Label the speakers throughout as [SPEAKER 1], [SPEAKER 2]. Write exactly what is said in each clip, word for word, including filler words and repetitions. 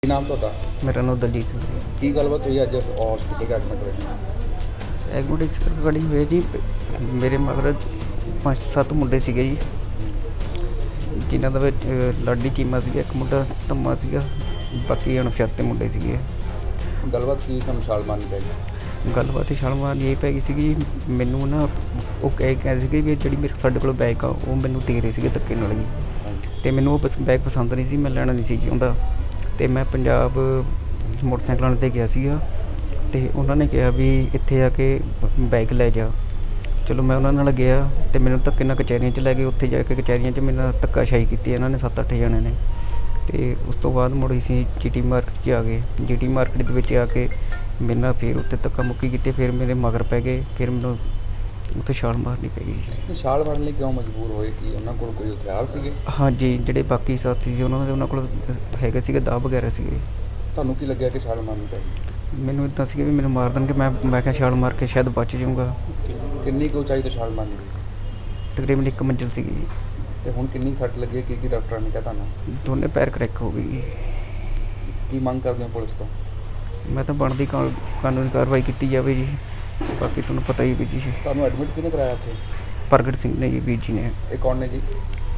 [SPEAKER 1] ਕੀ ਨਾਮ ਤੁਹਾਡਾ?
[SPEAKER 2] ਮੇਰਾ ਨਾਮ ਦਲਜੀਤ ਸਿੰਘ ਹੈ।
[SPEAKER 1] ਕੀ ਗੱਲਬਾਤ ਹੋਈ ਅੱਜ ਹਸਪੀਟਲ ਐਡਮਿਟ ਹੋਏ?
[SPEAKER 2] ਐਡਮਿਟ ਇਸ ਤਰ੍ਹਾਂ ਖੜੀ ਹੋਈ ਜੀ, ਮੇਰੇ ਮਗਰ ਪੰਜ ਸੱਤ ਮੁੰਡੇ ਸੀਗੇ ਜੀ, ਜਿਨ੍ਹਾਂ ਦਾ ਵਿੱਚ ਲਾਡੀ ਚੀਮਾ ਸੀਗਾ, ਇੱਕ ਮੁੰਡਾ ਧੰਮਾ ਸੀਗਾ, ਬਾਕੀ ਅਣਪਛਾਤੇ ਮੁੰਡੇ ਸੀਗੇ।
[SPEAKER 1] ਗੱਲਬਾਤ ਕੀ ਤੁਹਾਨੂੰ ਛਾਲ ਮਾਰਨੀ ਪੈ ਗਈ?
[SPEAKER 2] ਗੱਲਬਾਤ ਛਾਲ ਮਾਰਨੀ ਇਹ ਪੈ ਗਈ ਸੀਗੀ, ਮੈਨੂੰ ਨਾ ਉਹ ਕਹਿ ਕਹਿ ਸੀਗੇ ਵੀ ਜਿਹੜੀ ਮੇਰੇ ਸਾਡੇ ਕੋਲ ਬਾਈਕ ਆ ਉਹ ਮੈਨੂੰ ਦੇ ਰਹੇ ਸੀਗੇ ਧੱਕੇ ਨਾਲ ਜੀ, ਅਤੇ ਮੈਨੂੰ ਉਹ ਬਸ ਬਾਈਕ ਪਸੰਦ ਨਹੀਂ ਸੀ, ਮੈਂ ਲੈਣਾ ਨਹੀਂ ਸੀ ਚਾਹੁੰਦਾ। ਅਤੇ ਮੈਂ ਪੰਜਾਬ ਮੋਟਰਸਾਈਕਲਾਂ 'ਤੇ ਗਿਆ ਸੀਗਾ, ਅਤੇ ਉਹਨਾਂ ਨੇ ਕਿਹਾ ਵੀ ਇੱਥੇ ਆ ਕੇ ਬਾਈਕ ਲੈ ਜਾ। ਚਲੋ ਮੈਂ ਉਹਨਾਂ ਨਾਲ ਗਿਆ, ਅਤੇ ਮੈਨੂੰ ਧੱਕੇ ਨਾਲ ਕਚਹਿਰੀਆਂ 'ਚ ਲੈ ਗਏ। ਉੱਥੇ ਜਾ ਕੇ ਕਚਹਿਰੀਆਂ 'ਚ ਮੇਰੇ ਨਾਲ ਧੱਕਾਸ਼ਾਹੀ ਕੀਤੀ ਇਹਨਾਂ ਨੇ, ਸੱਤ ਅੱਠ ਜਣਿਆਂ ਨੇ। ਅਤੇ ਉਸ ਤੋਂ ਬਾਅਦ ਮੁੜ ਅਸੀਂ ਜੀ ਟੀ ਮਾਰਕੀਟ 'ਚ ਆ ਗਏ। ਜੀ ਟੀ ਮਾਰਕੀਟ ਦੇ ਵਿੱਚ ਆ ਕੇ ਮੇਰੇ ਨਾਲ ਫਿਰ ਉੱਥੇ ਧੱਕਾ ਮੁੱਕੀ ਕੀਤੀ, ਫਿਰ ਮੇਰੇ ਮਗਰ ਪੈ ਗਏ, ਫਿਰ ਮੈਨੂੰ ਉੱਥੇ ਛਾਲ ਮਾਰਨੀ ਪੈ ਗਈ।
[SPEAKER 1] ਛਾਲ ਮਾਰਨ ਲਈ ਕਿਉਂ ਮਜਬੂਰ ਹੋਏ? ਕਿ ਉਹਨਾਂ ਕੋਲ ਕੋਈ ਹਥਿਆਰ ਸੀਗੇ?
[SPEAKER 2] ਹਾਂਜੀ, ਜਿਹੜੇ ਬਾਕੀ ਸਾਥੀ ਸੀ ਉਹਨਾਂ ਦੇ ਉਹਨਾਂ ਕੋਲ ਹੈਗੇ ਸੀਗੇ, ਦਾਅ ਵਗੈਰਾ ਸੀਗੇ।
[SPEAKER 1] ਤੁਹਾਨੂੰ ਕੀ ਲੱਗਿਆ ਕਿ ਛਾਲ ਮਾਰਨੀ ਪੈ ਗਈ?
[SPEAKER 2] ਮੈਨੂੰ ਇੱਦਾਂ ਸੀਗਾ ਵੀ ਮੈਨੂੰ ਮਾਰ ਦੇਣਗੇ, ਮੈਂ ਮੈਂ ਕਿਹਾ ਛਾਲ ਮਾਰ ਕੇ ਸ਼ਾਇਦ ਬਚ ਜਾਊਂਗਾ।
[SPEAKER 1] ਕਿੰਨੀ ਕੁ ਉਚਾਈ ਤੋਂ ਛਾਲ ਮਾਰਨੀ ਪਈ?
[SPEAKER 2] ਤਕਰੀਬਨ ਇੱਕ ਮੰਜ਼ਿਲ ਸੀਗੀ।
[SPEAKER 1] ਅਤੇ ਹੁਣ ਕਿੰਨੀ ਸੱਟ ਲੱਗੀ ਹੈ? ਕੀ ਕੀ ਡਾਕਟਰਾਂ ਨੇ ਕਿਹਾ ਤੁਹਾਨੂੰ?
[SPEAKER 2] ਦੋਨੇ ਪੈਰ ਕਰੈਕ ਹੋ ਗਈ।
[SPEAKER 1] ਕੀ ਮੰਗ ਕਰਦੇ ਹੋ ਪੁਲਿਸ ਤੋਂ?
[SPEAKER 2] ਮੈਂ ਤਾਂ ਬਣਦੀ ਕਾ ਕਾਨੂੰਨੀ ਕਾਰਵਾਈ ਕੀਤੀ ਜਾਵੇ ਜੀ, ਬਾਕੀ ਤੁਹਾਨੂੰ ਪਤਾ ਹੀ ਵੀ ਜੀ।
[SPEAKER 1] ਤੁਹਾਨੂੰ ਐਡਮਿਟ ਕਿਹਨੇ ਕਰਾਇਆ ਇੱਥੇ?
[SPEAKER 2] ਪ੍ਰਗਟ ਸਿੰਘ ਨੇ ਜੀ, ਵੀਰ ਜੀ ਨੇ।
[SPEAKER 1] ਇਹ ਕੌਣ ਨੇ ਜੀ?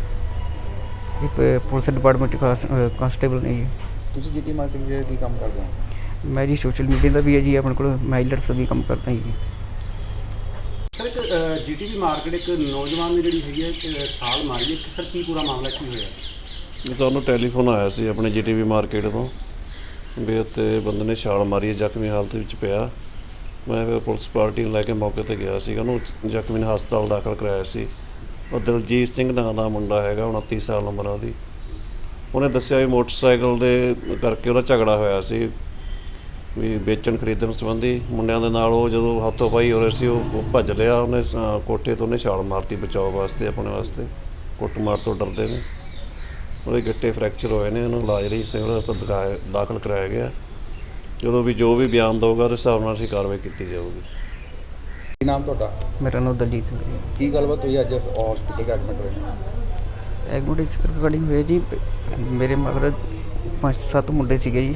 [SPEAKER 2] ਇਹ ਪ- ਪੁਲਿਸ ਡਿਪਾਰਟਮੈਂਟ ਕਾਂਸ ਕਾਂਸਟੇਬਲ ਨੇ ਜੀ।
[SPEAKER 1] ਤੁਸੀਂ ਜੀ ਟੀ ਮਾਰਕੀਟ ਦੇ ਕੀ ਕੰਮ ਕਰਦੇ ਹੋ?
[SPEAKER 2] ਮੈਂ ਜੀ ਸੋਸ਼ਲ ਮੀਡੀਆ ਦਾ ਵੀ ਹੈ ਜੀ, ਆਪਣੇ ਕੋਲ ਮਾਈਲਟਸ ਦਾ ਵੀ ਕੰਮ ਕਰਦਾ ਜੀ।
[SPEAKER 3] ਸਰ, ਇੱਕ ਜੀ ਟੀ ਵੀ ਮਾਰਕੀਟ ਇੱਕ ਨੌਜਵਾਨ ਨੇ ਜਿਹੜੀ ਹੈਗੀ ਹੈ ਛਾਲ ਮਾਰੀ ਹੈ, ਸਰ ਕੀ ਪੂਰਾ ਮਾਮਲਾ ਕੀ ਹੋਇਆ?
[SPEAKER 4] ਸਾਨੂੰ ਟੈਲੀਫੋਨ ਆਇਆ ਸੀ ਆਪਣੇ ਜੀ ਟੀ ਵੀ ਮਾਰਕੀਟ ਤੋਂ ਵੀ ਉੱਥੇ ਬੰਦੇ ਨੇ ਛਾਲ ਮਾਰੀ ਹੈ, ਜ਼ਖਮੀ ਹਾਲਤ ਵਿੱਚ ਪਿਆ। ਮੈਂ ਫਿਰ ਪੁਲਿਸ ਪਾਰਟੀ ਨੂੰ ਲੈ ਕੇ ਮੌਕੇ 'ਤੇ ਗਿਆ ਸੀਗਾ, ਉਹਨੂੰ ਜ਼ਖਮੀ ਨੂੰ ਹਸਪਤਾਲ ਦਾਖਲ ਕਰਾਇਆ ਸੀ। ਉਹ ਦਲਜੀਤ ਸਿੰਘ ਨਾਂ ਦਾ ਮੁੰਡਾ ਹੈਗਾ, ਉਨੱਤੀ ਸਾਲ ਉਮਰ ਆ ਉਹਦੀ। ਉਹਨੇ ਦੱਸਿਆ ਵੀ ਮੋਟਰਸਾਈਕਲ ਦੇ ਕਰਕੇ ਉਹਦਾ ਝਗੜਾ ਹੋਇਆ ਸੀ ਵੀ ਵੇਚਣ ਖਰੀਦਣ ਸੰਬੰਧੀ ਮੁੰਡਿਆਂ ਦੇ ਨਾਲ। ਉਹ ਜਦੋਂ ਹੱਥੋਂ ਪਾਈ ਹੋ ਰਹੇ ਸੀ, ਉਹ ਉਹ ਭੱਜ ਲਿਆ, ਉਹਨੇ ਸ- ਕੋਠੇ ਤੋਂ ਉਹਨੇ ਛਾਲ ਮਾਰਤੀ ਬਚਾਓ ਵਾਸਤੇ, ਆਪਣੇ ਵਾਸਤੇ। ਕੁੱਟਮਾਰ ਤੋਂ ਡਰਦੇ ਨੇ। ਉਹਦੇ ਗਿੱਟੇ ਫ੍ਰੈਕਚਰ ਹੋਏ ਨੇ, ਉਹਨੂੰ ਇਲਾਜ ਲਈ ਸਿਵਲ ਹਸਪਤਾਲ ਦਿਖਾਇਆ ਦਾਖਲ ਕਰਾਇਆ ਗਿਆ। ਜਦੋਂ ਵੀ ਜੋ ਵੀ ਬਿਆਨ ਦਊਗਾ ਉਹਦੇ ਹਿਸਾਬ ਨਾਲ ਅਸੀਂ ਕਾਰਵਾਈ ਕੀਤੀ ਜਾਊਗੀ।
[SPEAKER 1] ਕੀ ਨਾਮ ਤੁਹਾਡਾ?
[SPEAKER 2] ਮੇਰਾ ਨਾਮ ਦਲਜੀਤ ਸਿੰਘ ਹੈ।
[SPEAKER 1] ਕੀ ਗੱਲਬਾਤ ਹੋਈ ਅੱਜ ਹਸਪੀਟਲ ਐਡਮਿਟ ਹੋਏ?
[SPEAKER 2] ਐਡਮਿਟ ਇਸ ਤਰ੍ਹਾਂ ਖੜੀ ਹੋਈ ਜੀ, ਮੇਰੇ ਮਗਰ ਪੰਜ ਸੱਤ ਮੁੰਡੇ ਸੀਗੇ ਜੀ,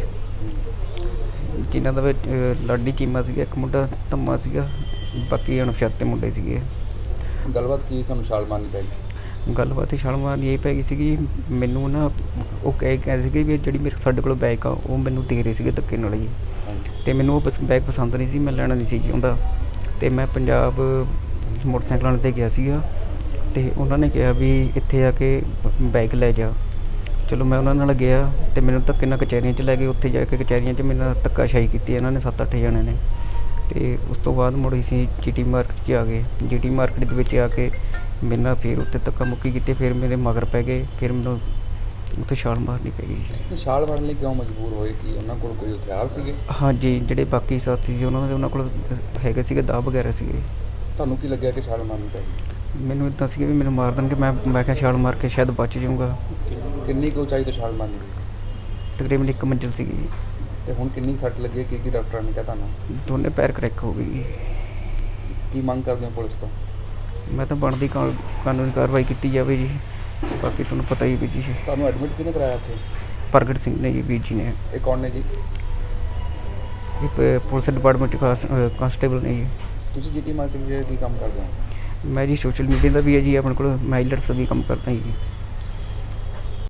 [SPEAKER 2] ਜਿਨ੍ਹਾਂ ਦਾ ਵਿੱਚ ਲਾਡੀ ਚੀਮਾ ਸੀਗਾ, ਇੱਕ ਮੁੰਡਾ ਧੰਮਾ ਸੀਗਾ, ਬਾਕੀ ਅਣਪਛਾਤੇ ਮੁੰਡੇ ਸੀਗੇ।
[SPEAKER 1] ਗੱਲਬਾਤ ਕੀ ਤੁਹਾਨੂੰ ਛਾਲ ਮਾਰਨੀ ਪੈ ਗਈ?
[SPEAKER 2] ਗੱਲਬਾਤ ਛਾਲ ਮਾਰਨੀ ਇਹ ਪੈ ਗਈ ਸੀਗੀ, ਮੈਨੂੰ ਨਾ ਉਹ ਕਹਿ ਕਹਿ ਸੀਗੇ ਵੀ ਜਿਹੜੀ ਮੇਰੇ ਸਾਡੇ ਕੋਲ ਬਾਈਕ ਆ ਉਹ ਮੈਨੂੰ ਦੇ ਰਹੇ ਸੀਗੇ ਧੱਕੇ ਨਾਲ ਜੀ, ਅਤੇ ਮੈਨੂੰ ਉਹ ਬਸ ਬਾਈਕ ਪਸੰਦ ਨਹੀਂ ਸੀ, ਮੈਂ ਲੈਣਾ ਨਹੀਂ ਸੀ ਚਾਹੁੰਦਾ। ਅਤੇ ਮੈਂ ਪੰਜਾਬ ਮੋਟਰਸਾਈਕਲਾਂ 'ਤੇ ਗਿਆ ਸੀਗਾ, ਅਤੇ ਉਹਨਾਂ ਨੇ ਕਿਹਾ ਵੀ ਇੱਥੇ ਆ ਕੇ ਬਾਈਕ ਲੈ ਜਾ। ਚਲੋ ਮੈਂ ਉਹਨਾਂ ਨਾਲ ਗਿਆ, ਅਤੇ ਮੈਨੂੰ ਧੱਕੇ ਨਾਲ ਕਚਹਿਰੀਆਂ 'ਚ ਲੈ ਗਏ। ਉੱਥੇ ਜਾ ਕੇ ਕਚਹਿਰੀਆਂ 'ਚ ਮੇਰੇ ਨਾਲ ਧੱਕਾਸ਼ਾਹੀ ਕੀਤੀ ਇਹਨਾਂ ਨੇ, ਸੱਤ ਅੱਠ ਜਣਿਆਂ ਨੇ। ਅਤੇ ਉਸ ਤੋਂ ਬਾਅਦ ਮੁੜ ਅਸੀਂ ਜੀ ਟੀ ਮਾਰਕੀਟ 'ਚ ਆ ਗਏ। ਜੀ ਟੀ ਮਾਰਕੀਟ ਦੇ ਵਿੱਚ ਆ ਕੇ ਮੇਰੇ ਨਾਲ ਫਿਰ ਉੱਥੇ ਧੱਕਾ ਮੁੱਕੀ ਕੀਤੀ, ਫਿਰ ਮੇਰੇ ਮਗਰ ਪੈ ਗਏ, ਫਿਰ ਮੈਨੂੰ ਉੱਥੇ ਛਾਲ ਮਾਰਨੀ ਪੈ ਗਈ।
[SPEAKER 1] ਛਾਲ ਮਾਰਨ ਲਈ ਕਿਉਂ ਮਜਬੂਰ ਹੋਏ? ਕਿ ਉਹਨਾਂ ਕੋਲ ਕੋਈ ਹਥਿਆਰ ਸੀਗੇ?
[SPEAKER 2] ਹਾਂਜੀ, ਜਿਹੜੇ ਬਾਕੀ ਸਾਥੀ ਸੀ ਉਹਨਾਂ ਦੇ ਉਹਨਾਂ ਕੋਲ ਹੈਗੇ ਸੀਗੇ, ਦਾਅ ਵਗੈਰਾ ਸੀਗੇ।
[SPEAKER 1] ਤੁਹਾਨੂੰ ਕੀ ਲੱਗਿਆ ਕਿ ਛਾਲ ਮਾਰਨੀ ਪੈ ਗਈ?
[SPEAKER 2] ਮੈਨੂੰ ਇੱਦਾਂ ਸੀਗਾ ਵੀ ਮੈਨੂੰ ਮਾਰ ਦੇਣਗੇ, ਮੈਂ ਮੈਂ ਕਿਹਾ ਛਾਲ ਮਾਰ ਕੇ ਸ਼ਾਇਦ ਬਚ ਜਾਊਂਗਾ।
[SPEAKER 1] ਕਿੰਨੀ ਕੁ ਉਚਾਈ ਤੋਂ ਛਾਲ ਮਾਰਨੀ ਪਈ?
[SPEAKER 2] ਤਕਰੀਬਨ ਇੱਕ ਮੰਜ਼ਿਲ ਸੀਗੀ।
[SPEAKER 1] ਅਤੇ ਹੁਣ ਕਿੰਨੀ ਸੱਟ ਲੱਗੀ ਹੈ? ਕੀ ਕੀ ਡਾਕਟਰਾਂ ਨੇ ਕਿਹਾ ਤੁਹਾਨੂੰ?
[SPEAKER 2] ਦੋਨੇ ਪੈਰ ਕਰੈਕ ਹੋ ਗਈ।
[SPEAKER 1] ਕੀ ਮੰਗ ਕਰਦੇ ਹੋ ਪੁਲਿਸ ਤੋਂ?
[SPEAKER 2] ਮੈਂ ਤਾਂ ਬਣਦੀ ਕਾ ਕਾਨੂੰਨੀ ਕਾਰਵਾਈ ਕੀਤੀ ਜਾਵੇ ਜੀ, ਬਾਕੀ ਤੁਹਾਨੂੰ ਪਤਾ ਹੀ ਵੀ ਜੀ।
[SPEAKER 1] ਤੁਹਾਨੂੰ ਐਡਮਿਟ ਕਿਹਨੇ ਕਰਾਇਆ ਇੱਥੇ?
[SPEAKER 2] ਪ੍ਰਗਟ ਸਿੰਘ ਨੇ ਜੀ, ਵੀਰ ਜੀ ਨੇ।
[SPEAKER 1] ਇਹ ਕੌਣ ਨੇ ਜੀ?
[SPEAKER 2] ਇਹ ਪ- ਪੁਲਿਸ ਡਿਪਾਰਟਮੈਂਟ ਕਾਂਸ ਕਾਂਸਟੇਬਲ ਨੇ ਜੀ।
[SPEAKER 1] ਤੁਸੀਂ ਜੀ ਟੀ ਮਾਰਕੀਟ ਦੇ ਕੀ ਕੰਮ ਕਰਦੇ ਹੋ?
[SPEAKER 2] ਮੈਂ ਜੀ ਸੋਸ਼ਲ ਮੀਡੀਆ ਦਾ ਵੀ ਹੈ ਜੀ, ਆਪਣੇ ਕੋਲ ਮਾਈਲਟਸ ਦਾ ਵੀ ਕੰਮ ਕਰਦਾ ਜੀ।